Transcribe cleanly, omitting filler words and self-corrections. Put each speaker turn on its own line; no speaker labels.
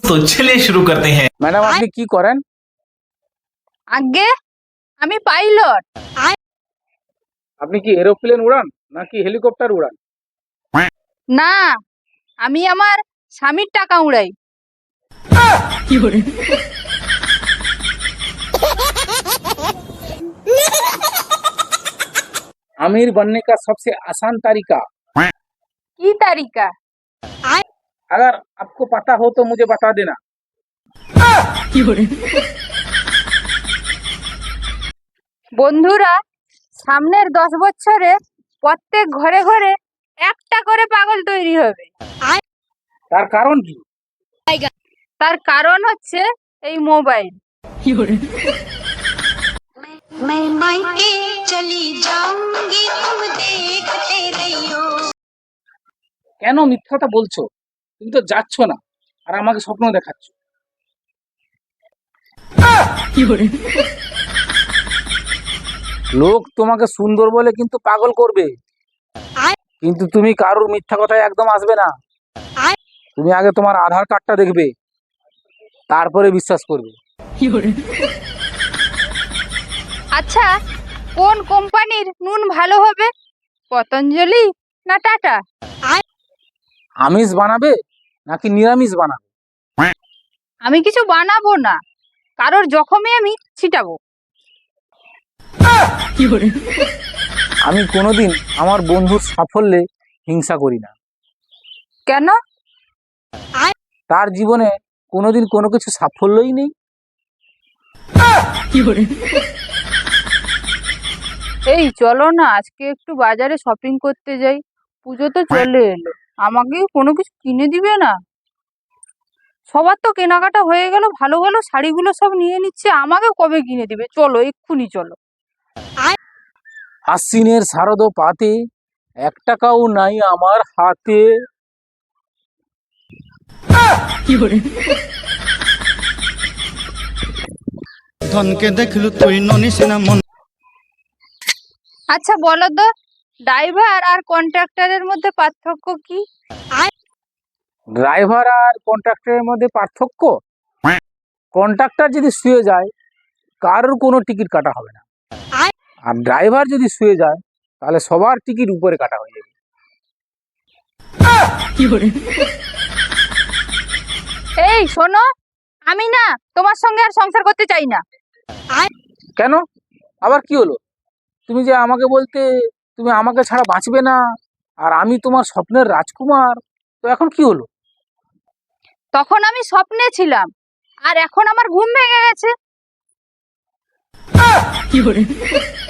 तो चलिए शुरू करते हैं।
ম্যাডাম আপনি কি করেন?
আগে আমি পাইলট।
আপনি কি এরোপ্লেন উড়ান নাকি হেলিকপ্টার উড়ান?
না, আমি আমার স্বামীর টাকা উড়াই।
आमिर बनने का सबसे आसान तरीका
কি তারিকা?
अगर आपको पता हो तो मुझे बता देना।
বন্ধুরা, সামনের 10 বছরে প্রত্যেক ঘরে ঘরে একটা করে পাগল তৈরি হবে।
তার কারণ কি?
তার কারণ হচ্ছে এই মোবাইল।
मैं मायके चली जाऊंगी तुम देखते रहियो।
কেন মিথ্যাটা বলছো? তুমি তো যাচ্ছ না আর আমাকে স্বপ্ন দেখাচ্ছ। লোক তোমাকে সুন্দর বলে কিন্তু পাগল করবে, কিন্তু তুমি কারোর মিথ্যা কথায় একদম আসবে না। তুমি আগে তোমার আধার কার্ডটা দেখবে, তারপরে বিশ্বাস করবে।
আচ্ছা, কোন কোম্পানির নুন ভালো হবে, পতঞ্জলি না টাটা?
আমিষ বানাবে নাকি নিরামিষ বানাবে?
আমি কিছু বানাবো না, কারোর জখমে আমি ছিটাবো।
আমি কোনোদিন আমার বন্ধুর সাফল্যে হিংসা করি না।
কেন?
তার জীবনে কোনোদিন কোনো কিছু সাফল্যই নেই।
এই চলো না, আজকে একটু বাজারে শপিং করতে যাই। পুজো তো চলে এলো, আমাকে কোনো কিছু কিনে দিবে না? সবার তো কেনাকাটা হয়ে গেল, ভালো ভালো শাড়িগুলো সব নিয়ে নিচ্ছে, আমাকে কবে কিনে দিবে? চলো, এক্ষুনি চলো।
আশ্বিনের শারদ পাতে 1 টাকাও নাই আমার হাতে।
ধনকে দেখলু তুই ননিস না মন।
আচ্ছা বলো তো, ড্রাইভার আর কন্ট্রাক্টরের মধ্যে পার্থক্য কি?
ড্রাইভার আর কন্ট্রাক্টরের মধ্যে পার্থক্য, কন্ট্রাক্টর যদি শুয়ে যায় কারোর কোনো টিকিট কাটা হবে না, আর ড্রাইভার যদি শুয়ে যায় তাহলে সবার টিকিট উপরে কাটা হয়ে যাবে।
এই শোনো, আমি না তোমার সঙ্গে আর সংসার করতে চাই না।
কেন? আবার কি হলো? তুমি যে আমাকে বলতে তুমি আমাকে ছাড়া বাঁচবে না, আর আমি তোমার স্বপ্নের রাজকুমার, তো এখন কি হলো?
তখন আমি স্বপ্নে ছিলাম, আর এখন আমার ঘুম ভেঙে গেছে।